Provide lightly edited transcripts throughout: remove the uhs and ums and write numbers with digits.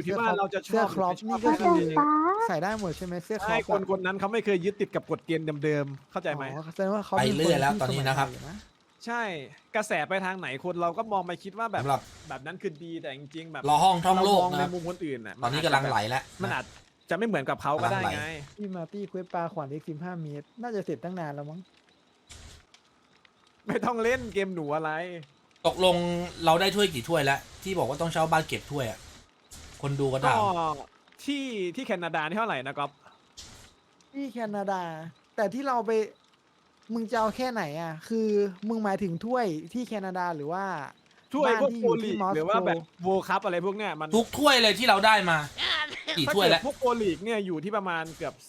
ที่ว่าเราจะชเสื้ออบ ครอปหรืนี่ไม่ชก็อบคือป๊าใส่ได้หมดใช่ไหมเสื้อครอใช่ปคนนั้นเขาไม่เคยยึดติดกับกฎเกณฑ์เดิมๆเข้าใจไหมแสดงว่าเขาไปป็นเรื่อยแล้วที่ตอนนี้นะครับสมัยใหม่อยู่ใช่กระแสไปทางไหนคนเราก็มองไปคิดว่าแบบสำหรับแบบนั้นคือดีแต่จริงๆแบบรอห้องท่องโลกเรามองนะในครับมุมคนอื่นน่ะตอนนี้กำลังไหลแล้วมันอาจจะไม่เหมือนกับเขาก็ได้กำลังไหลไงพี่มาร์ตี้เควสปลาขวานเล็ก15 เมตร น่าจะเสร็จตั้งนานแล้วมั้งไม่ต้องเล่นเกมหนูอะไรตกลงเราได้ถ้วยกี่ถ้วยแล้ว ที่บอกว่าต้องเช่าบ้านเก็บถ้วยอะคนดูก็ก็ถามที่แคนาดานี่เท่าไหร่นะก๊อฟที่แคนาดา แต่ที่เราไป มึงจะเอาแค่ไหนอ่ะ คือมึงหมายถึงถ้วยที่แคนาดาหรือว่าถ้วยบ้านพวกที่โปอยู่รลีที่กมอสหรือว่าโกแบบโวคัพอะไรพวกเนี้ยมันทุกถ้วยเลยที่เราได้มากี่ถ้าถ้วยเกิดแล้วพวกโปรลีกเนี่ยอยู่ที่ประมาณเกือบ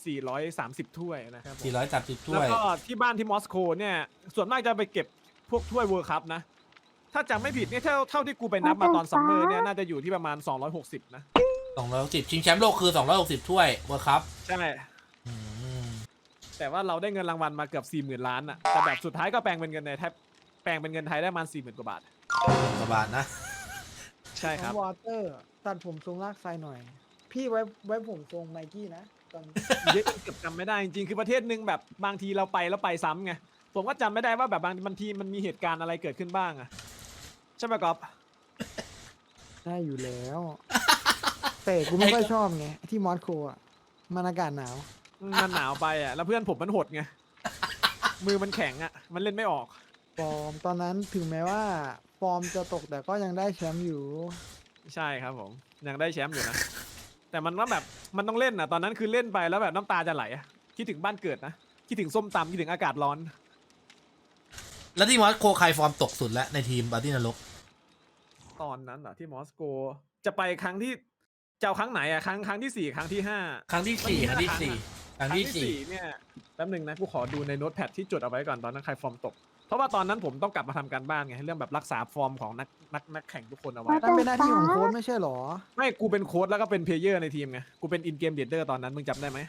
430ถ้วยนะครับผม 430ถ้แล้ววยก็ที่บ้านที่มอสโกเนี่ยส่วนมากจะไปเก็บพวกถ้วยเวิร์คัพนะ ถ้าจำไม่ผิดเนี่ยเท่าที่กูไปนับมาตอนซัมเมอร์เนี่ยน่าจะอยู่ที่ประมาณ260นะ 260ชิงแชมป์โลกคือ260ถ้วยเวิร์คัพใช่ แต่ว่าเราได้เงินรางวัลมาเกือบ40,000 ล้านอะแต่แบบสุดท้ายก็แปลงเป็นเงินในไทยแปลงเป็นเงินไทยได้ประมาณ40,000 กว่าบาทกว่าบาทนะใช่ครับวอเตอร์ตัดผมทรงลากไซหน่อย พี่ไว้ผมทรงไมกี้นะตอนเยอะจนเกือบจำไม่ได้จริงๆคือประเทศหนึ่งแบบบางทีเราไปแล้วไปซ้ำไงผมก็จำไม่ได้ว่าแบบบางทีมันมีเหตุการณ์อะไรเกิดขึ้นบ้างอะใช่ไหมก๊อฟได้อยู่แล้ว แต่กูไม่ค่อยชอบไงที่มอสโกอ่ะมันอากาศหนาวมันหนาวไปอะแล้วเพื่อนผมมันหดไงมือมันแข็งอะมันเล่นไม่ออกฟอร์มตอนนั้นถึงแม้ว่าฟอร์มจะตกแต่ก็ยังได้แชมป์อยู่ใช่ครับผมยังได้แชมป์อยู่นะ แต่มันว่าแบบมันต้องเล่นนะตอนนั้นคือเล่นไปแล้วแบบน้ำตาจะไหลอะคิดถึงบ้านเกิดนะคิดถึงส้มตำคิดถึงอากาศร้อนแล้วที่มอสโกใครฟอร์มตกสุดแล้วในทีมบาร์ตี้นรกตอนนั้นเหรอที่มอสโกจะไปครั้งที่จะเอาครั้งไหนอะครั้งที่4ครั้งที่5 ครั้งที่สี่ครั้งที่สี่ครั้งที่สี่เนี่ยแป๊บหนึงนะกูขอดูในโน้ตแพดที่จดเอาไว้ก่อนตอนนั้นใครฟอร์มตก เพราะว่าตอนนั้นผมต้องกลับมาทำการบ้านไงเรื่องแบบรักษาฟอร์มของนักแข่งทุกคนเอาไว้นั่นเป็นหน้าที่ของโค้ชไม่ใช่หรอไม่กูเป็นโค้ชแล้วก็เป็นเพลเยอร์ในทีมไงกูเป็นอินเกมเดเดอร์ตอนนั้นมึงจำได้ไหม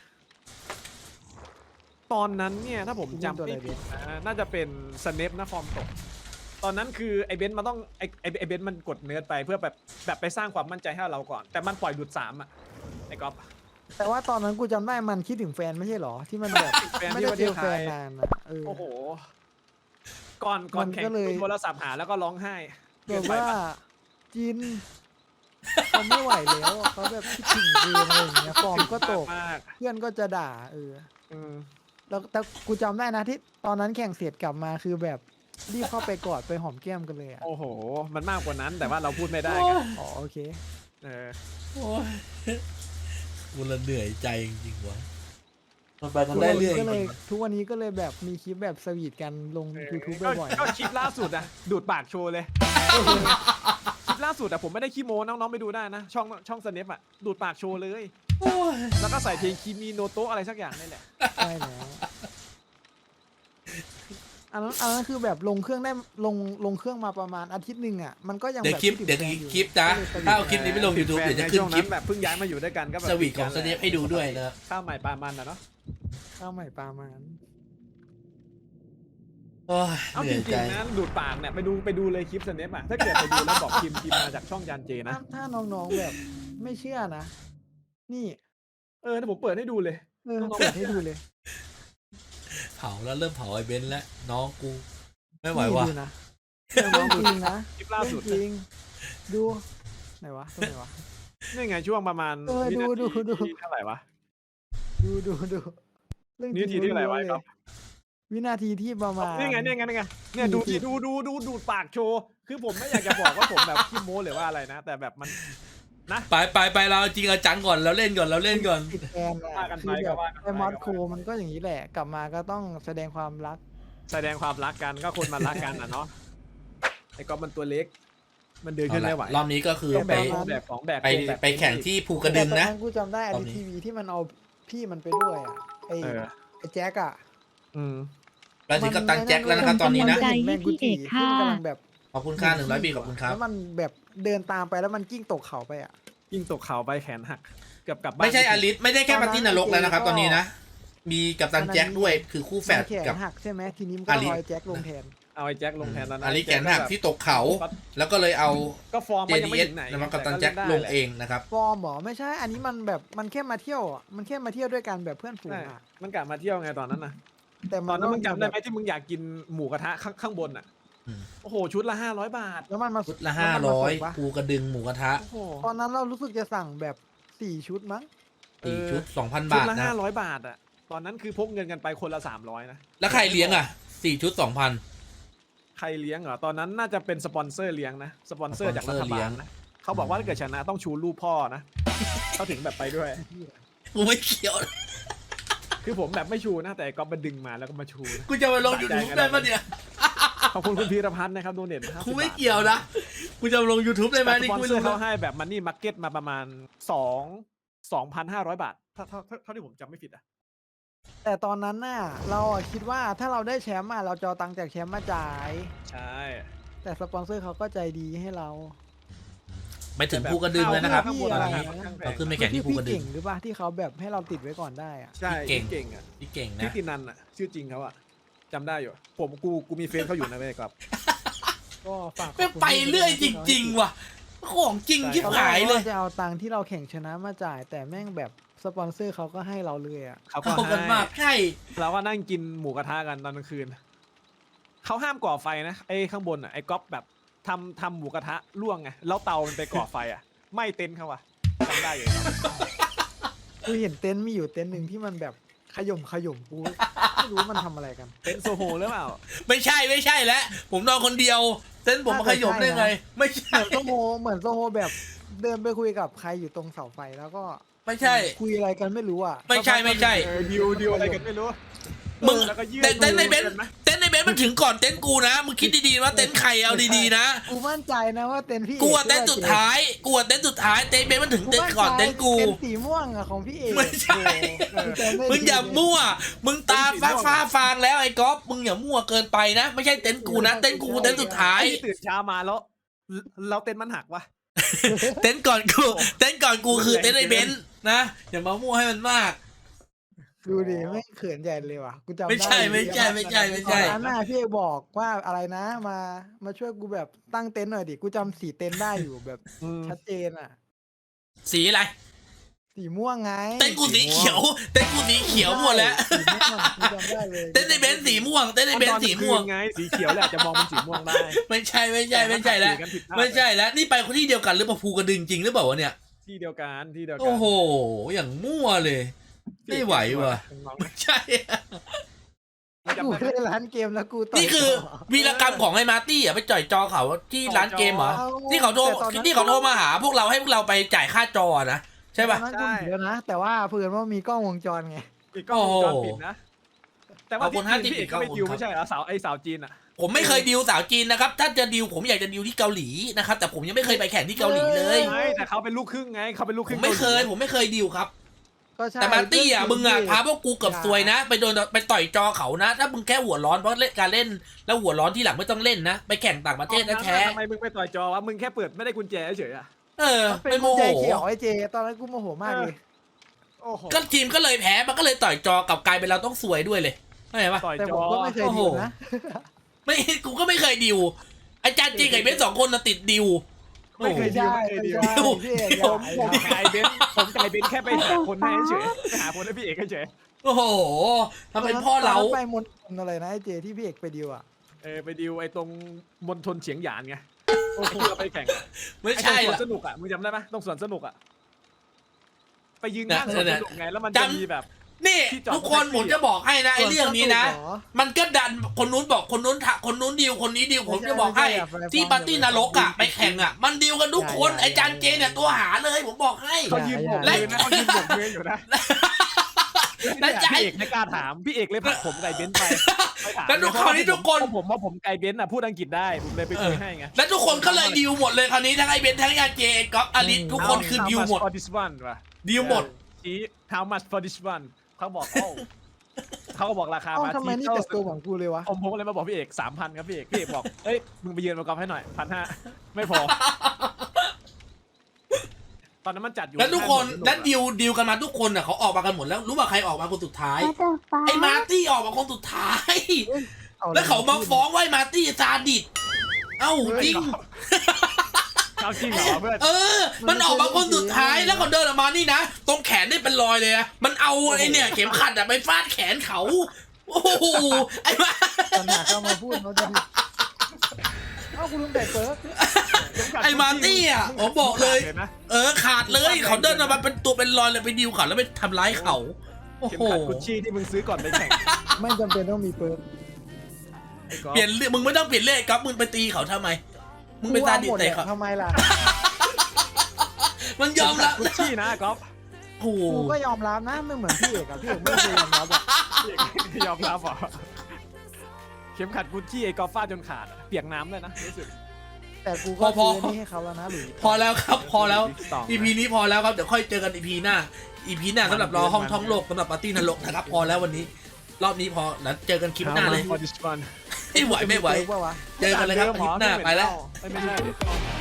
ตอนนั้นเนี่ยถ้าผมจำไม่ผิดนะน่าจะเป็นสเนปนะฟอร์มตก ตอนนั้นคือไอเบนซ์มันต้องไอเบนซ์มันกดเนื้อไปเพื่อแบบไปสร้างความมั่นใจให้เราก่อน แต่มันปล่อยดูด3อะไอก๊อฟแต่ว่าตอนนั้นกูจำได้มันคิดถึงแฟนไม่ใช่หรอ ที่มันแบบแฟนไม่ที่ได้ประเจเทศอไทแฟยนนานอะโอ้โหก่อนแข่งก็เลยโทรศัพท์หาแล้วก็ร้องไห้แบบว่าจินเขาไม่ไหวแล้วเขาแบบคิดถึงเองอะไรอย่างเงี้ยฟอร์มก็ตกมากเพื่อนก็จะด่าแล้วแต่กูจำได้นะที่ตอนนั้นแข่งเสร็จกลับมาคือแบบรีบเข้าไปกอดไปหอมแก้มกันเลยอ่ะโอ้โห มันมากกว่านั้นแต่ว่าเราพูดไม่ได้ไงอ๋อโอเคเออโอ้ยกูละเหนื่อยใจจริงๆวะมันไปกันได้เรื่อยก็จเลยริงทุกวันนี้ก็เลยแบบมีคลิปแบบสวีทกันลง YouTube บ่อยก็คลิปล่าสุดอะดูดปากโชว์เลยคลิปล่าสุดอะผมไม่ได้ขี้โม้น้องๆไปดูได้นะ ช่องสเนปอะดูดปากโชว์เลยโอ้ยแล้วก็ใส่เพลงคีมีโนโตะอะไรสักอย่างนี่แหละๆใช่แล้วอันนั้นคือแบบลงเครื่องได้ลงเครื่องมาประมาณอาทิตย์หนึ่งอ่ะมันก็ยังเดี๋ยวแบบคลิปดถึงเดี๋ยวแฟนอยู่คลิปนะก็เลยถ้าเอาคลิปนี้ไปลง YouTube เดี๋ยวจะขึ้นคลิปแบบเพิ่งย้ายมาอยู่ด้วยกันก็แบบสวีทของสเนปให้ดูด้วยนะครับข้าวใหม่ปลามันนะเนาะข้าวใหม่ปลามันโอ้ยเอาเหจนื่อยริใจงๆนะดูดปากเนี่ยไปดูเลยคลิปสเนปอะถ้าเกิดไปดูแล้วบอกพิมพ์มาจากช่องจานเจนะถ้าน้องๆแบบไม่เชื่อนะ นี่ถ้าผมเปิดให้ดูเลย น้องๆเปิดให้ดูเลยเผาแล้วเริ่มเผาไอ้เบนซ์แล้วน้องกู ไม่ไหวว่ะนี่ดูนะเรื่องจริงนะคลิปล่าสุดเรื่องจริง ดูไหนวะตรงไหนวะนี่ไงช่วงประมาณดูวินาดูทีดูที่เท่าไหร่วะดูเรื่องจวิรินาง ทีที่เท่าไหร่วะล้นๆครับวินาทีที่ประมาณนี่ไงเนี่ยดูสี่ที่สิบดูดปากโชว์คือผมไม่อยากจะบอกว่าผมแบบขี้โม้หรือว่าอะไรนะ แต่แบบมันนะไปเราจริงเอาจังก่อนเราเล่นก่อนติดแฟนว่าอะกันไปคือแบบก็ว่ากันไปไอมอสโคมันก็อย่างนี้แหละ กลับมาก็ต้องแสดงความรักแสดงความรักกันก็คนมันรักกันอ่ะเนาะไอ้ก๊อฟมันตัวเล็ก มันเดินขึ้นไม่ไหวรอบนี้ก็คือต้องไปแบกของแบกไปแข่งที่ภูกระดึงนะแต่ตอกูจำได้อตอนดีนี้ทีวีที่มันเอาพี่มันไปด้วยอ่ะไอเออไอแจ็คอ่ะอืมเราถึงกับตังแจ็คแล้วนะครับตอนนี้นะใจให้พี่เอกค่ะที่มันกำลังแบบขอบคุณค่า100 ปีขอบคุณครับแล้วมันแบบเดินตามไปแล้วมันกิ้งตกเขาไปอ่ะยิ่งตกเขาไปแขนหักเกือบกลับบ้านไม่ใช่อลิสไม่ได้แค่ปาร์ตี้นรกแล้วนะครับ ตอนนี้นะ มีกับตันแจ็คด้วยคือคู่แฟดมันแขนกับหักใช่ไหมทีนี้มันอก็ลิลอยแจ็คลงแทนเอาไอ้แจ็คลงแทนตอนนั้นอาริแขนหักที่ตกเขา แล้วก็เลยเอาก็ฟอร์มมันยังไม่ JDS ถึงไหนนะครับกับตันแจ็คลงเองนะครับฟอร์มเหรอไม่ใช่ อันนี้มันแบบมันแค่มาเที่ยวอะมันแค่มาเที่ยวด้วยกันแบบเพื่อนฝูงใช่อ่ะมันกลับมาเที่ยวไงตอนนั้นนะแต่ตอนนั้นมึงจำได้ไหมแบบที่มึงอยากกินหมูกระทะข้างบนอ่ะอืมโอ้โหชุดละ500 บาทแล้วมันมาชุดละแล้วมันมาส่งปะ 500ปูกระดึงหมูกระทะโอ้โหตอนนั้นเรารู้สึกจะสั่งแบบ4 ชุดมั้งสี่ชุด 2,000 ชุบาดทละนะ 500 บาทอ่ะตอนนั้นคือพกเงินกันไปคนละ300นะแล้วใครเลี้ยงอ่ะ4ชุด 2,000 ใครเลี้ยงเหรอตอนนั้นน่าจะเป็นสปอนเซอร์เลี้ยงนะสปอนเซอร์จากรัฐสปอนเซอร์เลี้บาย ลงนะเขาบอกว่าถ้าเกิดชนะต้องชูรูปพ่อนะเขาถึงแบบไปด้วยกูไม่เกี่ยวคือผมแบบไม่ชูนะแต่ก็มาดึงมาแล้วก็มาชูนะกูจะมาลง YouTube ได้ปะเนี่ยขอบคุณคุณพีรพัฒน์นะครับโดเนท50 กูไม่บาทเกี่ยวนะ กูจะมาลง YouTube ได้ไหมแต่สนี่ปอนกูไม่เซอรู้ร์เขานะให้แบบมันนี่มาร์เก็ตมาประมาณ2,500 บาทเท่าที่ผมจำไม่ผิดอ่ะแต่ตอนนั้นน่ะเราอะคิดว่าถ้าเราได้แชมป์อะเราจะเอาตังค์จากแชมป์มาจ่ายใช่แต่สปอนเซอร์เขาก็ใจดีให้เราไปถึงภูกระดึงเลยนะครับข้างบนตอนรานี้คาค่อนข้างแพเรางขึ้นไปแข่งที่ภูพี่กระดึเก่งงหรือป่ะที่เขาแบบให้เราติดไว้ก่อนได้อะใช่เก่งเก่งอ่ะพี่เก่งพี่นะตินันอ่ะชื่อจริงเขาอ่ะจำได้อยู่กูมีเฟซเขาอยู่นะเว้ยครับก็ฝากขอบไม่คุณไปเรื่อยจริง ๆ ว่ะ ของจริงชิบตอนแรหาก ยเลยว่าจะเอาตังค์ที่เราแข่งชนะมาจ่าย แต่แม่งแบบสปอนเซอร์เขาก็ให้เราเลยอะเขาก็เข้ากันให้มากใช่เราก็นั่งกินหมูกระทะกันตอนกลางคืนเขาห้ามก่อไฟนะไอ้ข้างบนอ่ะไอ้ก๊อฟแบบทำหมูกระทะล่วงไงแล้วเตามันไปก่อไฟอ่ะไม่เต็นท์เขาอ่ะจำได้อยู่ครับกูเห็นเต็นท์มีอยู่เต็นท์หนึ่งที่มันแบบขย่มกูไม่รู้มันทำอะไรกันเต็นท์โซโฮหรือเปล่าไม่ใช่แล้วผมนอนคนเดียว เต้นผมมาขยมได้ไง ไม่ใช่เหมือนโซโฮแบบเดินไปคุยกับใครอยู่ตรงเสาไฟแล้วก็ไม่ใช่คุยอะไรกันไม่รู้อ่ะไม่ใช่ดิวอะไรกันไม่รู้มึงแล้วก็ยืดเต้นในเบนซ์มือกัไหมเต้นในเบนซ์มันถึงก่อนเต้นกูนะ มึงคิดดีๆว่าเต้นใครเอาดีๆนะกูมั่นใจนะว่าเต็นท์พี่กูอะเต้นสุดท้ายเต้นเบนซ์มันถึงเต้นก่อนเต้นกูเต็นท์สีม่วงอะของพี่เอกไม่ใช่โอ้โหจำได้มึงอย่าดีมั่ว มึงตาฟ้าฟางแล้วไอ้ก๊อฟ มึงอย่ามั่วเกินไปนะ ไม่ใช่เต้นกูนะ เต้นกูเต้นสุดท้ายไอ้ที่ตื่นเช้ามาแล้วเราเต็นท์มันหักวะเต้นก่อนกูคือเต้นในเบนซ์นะ อย่ามามั่วให้มันมากดูดิไม่เขินใหญ่เลยว่ะกูจำได้ไม่ใช่ตอนนั้นน่ะพี่เอกบอกว่าอะไรนะมาช่วยกูแบบตั้งเต็นท์หน่อยดิกูจำสีเต็นท์ได้อยู่แบบชัดเจนอ่ะสีอะไรสีม่วงไงเต้นกูสีเขียวหมดแล้วสีม่วงกูจำได้เลยเต้นในเบนซ์สีม่วง เต้นในเบนซ์สีม่วงไงสีเขียวแหละจะมองเป็นสีม่วงได้ไม่ใช่แล้ว ไม่ใช่แล้ว นี่ไปคนที่เดียวกันหรือเปล่าภูกระดึงจริงหรือเปล่าวะเนี่ยที่เดียวกันที่เดียวกัโอ้โห อย่างมั่วเลย ไม่ไหวว่ะน้องไม่ใช่ๆกูเล่นร้านเกมแล้วกูต่ยนี่คือวีรกรรมของไอ้มาร์ตี้อ่ะไปจ่อยจอเขาที่ร้านเกมเหรอ ที่เขาโทรมาหาพวกเราให้พวกเราไปจ่ายค่าจอนะใช่ป่ะตอนนั้นกูเยอะนะแต่ว่าเผื่อว่ามีกล้องวงจรไงอีกกล้องวงจรปิดนะ แต่ว่าขอบคุณที่จีนพี่เอกก็ไป 50 ดิวไม่ใช่เหรอสาวจีนอ่ะผมไม่เคยดิวสาวจีนนะครับ ถ้าจะดิวผมอยากจะดิวที่เกาหลีนะครับ แต่ผมยังไม่เคยไปแข่งที่เกาหลีเลยไม่แต่เขาเป็นลูกครึ่งไงเขาเป็นลูกคผรึ่มงไม่เคยกาหลีผมไม่เคยดิวครับก็ใช่แต่มาร์ตี้อ่ะมึงอ่ะพาพวกกูเกับซวยนะ ไปต่อยจอเขานะ ถ้ามึงแค่หัวร้อนเพราะเล่นการเล่นแล้วหัวร้อนที่หลังไม่ต้องเล่นนะ ไปแข่งต่างประเทศนะแท้ทำไมมึงไปต่อยจอวะมึงแค่เปิดไม่ได้กุญแจเฉยๆอ่ะเออเป็นไม่โมกุญโหแจเขียวไอ้เจตอนนั้นกูโมโหมากเลยโอ้โหก็ทีมก็เลยแพ้มันก็เลยต่อยจอกับกลายเป็นเราต้องซวยด้วยเลยเข้าใจปะต่อยแต่จผอมก็ไม่เคยดิวนะไม่กูก็ไม่เคยดิวอาจารย์จริงกับเบนสองคนน่ะติดดิวไม่เคยดิวไม่เคยดิวใช่พี่เอกผมไก่เบนผมไก่เบนแค่ไปหาคนให้เฉยไปหาคนให้พี่เอกเฉยโอ้โหทำเป็นพ่อเราไปมณฑลอะไรนะไอ้เจที่พี่เอกไปดิวอ่ะไปดิวไอ้ตรงมณฑลเฉียงหยานไงโอ้โหเราไปแข่งไม่ใช่ไอ้ตรงสวละนสนุกอ่ะมึงจำได้ไหมตรงสวนสนุกอ่ะไปยืนข้างสวนสนุกไงแล้วมันจะมีแบบนี่ที่จอดทุกคนแท็กซี่ผมจะบอกให้นะไอ้เรื่องนี้นะ มันก็ดันคนนู้นบอกคนนู้นคนนู้นดิวคนนี้ดิวผมจะบอกให้ที่ปาร์ตี้นรกอ่ะไปแข่งอ่ะมันดิวกันทุกคนไอ้จานเจเนี่ยตัวหาเลยผมบอกให้เขายืนบกมือนะเขายืนบกมืออยู่นะแล้วใจพี่เอกไม่กล้าถามพี่เอกเลยผลักผมไก่เบนไปถามแล้วทุกคราวนี้ทุกคนผมว่าผมไก่เบนอ่ะพูดอังกฤษได้ผมเลยไปคุยให้ไงแล้วทุกคนก็เลยดิวหมดเลยคราวนี้ทั้งไอ้เบนทั้งยาเจก๊อฟอลิสทุกคนคือดิวหมด for this one ว่ะดิวหมดชี้ how much for this one เขาบอกโอ้เขาก็บอกราคาเอ้ามาทำไมนี่แต่ตัวของกูเลยวะผมเลยมาบอกพี่เอก 3,000 ครับพี่เอกบอกเอ้ยมึงไปยืนมากอล์ฟให้หน่อย 1,500 ไม่พอ ตอนนั้นมันจัดอยู่แล้วทุกคนนั้นดิวกันมาทุกคนอ่ะเขาออกมากันหมดแล้วรู้ว่าใครออกมาคนสุดท้าย ไอ้มาร์ตี้ออกมาคนสุดท้ายแล้วเขามาฟ้องว่ามาร์ตี้ซาดิสเอ้าจริงเอาจริงเหรอเพื่อนมันออกมาคนสุดท้ายแล้วเขาเดินออกมานี่นะตรงแขนนี่เป็นรอยเลยอะมันเอาไอ้เนี่ยเข็มขัดอะไปฟาดแขนเขาโอ้โหไอ้มาปัญหาเข้ามาพูดเขาจะผิดเอ้ากูลืมแต่เปิร์กไอ้มาร์ตี้อะผมบอกเลยนะขาดเลยเขาเดินออกมาเป็นตัวเป็นรอยเลยไปดิวเขาแล้วไปทำร้ายเขาโอ้เข็มโหขัดกุชชี่ที่มึงซื้อก่อนไปแข่งไม่จำเป็นต้องมีเปิร์กไอ้ก๊อฟเปลี่ยนเรื่องมึงไม่ต้องเปลี่ยนเรื่องไอ้ก๊อฟมึงไปตีเขาทำไมมึงไปซาดิสใส่เขาทำไมล่ะมันยอมรับกุชชี่นะก๊อฟโอ้โหกูก็ยอมรับนะไม่เหมือนพี่เอกอะพี่เอกไม่เคยยอมรับอะยอมรับเหรอเข็มขัดกุชชี่ไอ้ก๊อฟฟาดจนขาดอะเปียกน้ำเลยนะรู้สึกแต่กูก็ซื้อนี่ให้เขาแล้วนะหรือพอแล้วครับพอแล้ว EP นี้พอแล้วครับเดี๋ยวค่อยเจอกัน EP หน้า EP หน้าสำหรับรอห้องท้องโลกสำหรับปาร์ตี้นรกนะครับพอแล้ววันนี้ รอบนี้พอแล้วเจอกันคลิปหน้าเลย for this one ไม่ไหวไม่ไหวเปิร์กปะวะเจอกันเลยครับคลิปหน้าไปแล้วไม่ใช่